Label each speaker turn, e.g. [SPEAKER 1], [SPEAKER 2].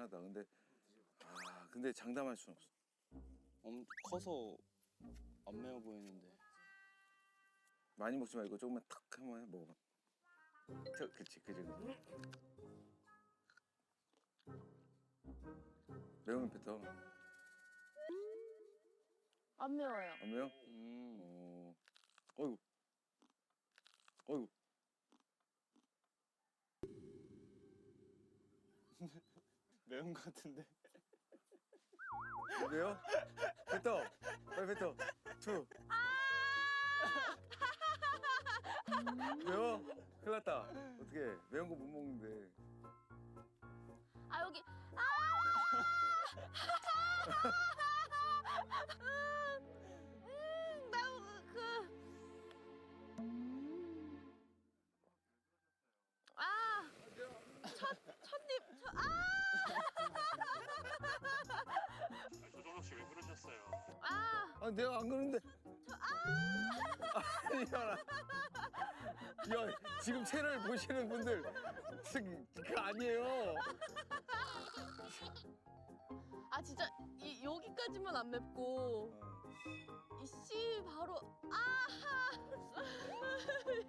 [SPEAKER 1] 하다. 근데 장담할 순 없어.
[SPEAKER 2] 커서 안 매워 보이는데.
[SPEAKER 1] 많이 먹지 말고 조금만 탁 한번 해 먹어봐. 그치. 매우면 뱉어.
[SPEAKER 3] 안 매워요.
[SPEAKER 1] 안 매워? 어이구.
[SPEAKER 2] 매운 것 같은데.
[SPEAKER 1] 매워? 뱉어. 빨리 뱉어. 투. 매워? 큰일 났다. 어떡해. 매운 거 못 먹는데.
[SPEAKER 3] 아 여기
[SPEAKER 4] 조정석 씨 왜 그러셨어요?
[SPEAKER 1] 아, 내가 안 그러는데. 아니야. 야, 지금 채널 보시는 분들 그거 아니에요.
[SPEAKER 3] 아 진짜 여기까지만 안 맵고 이 씨 바로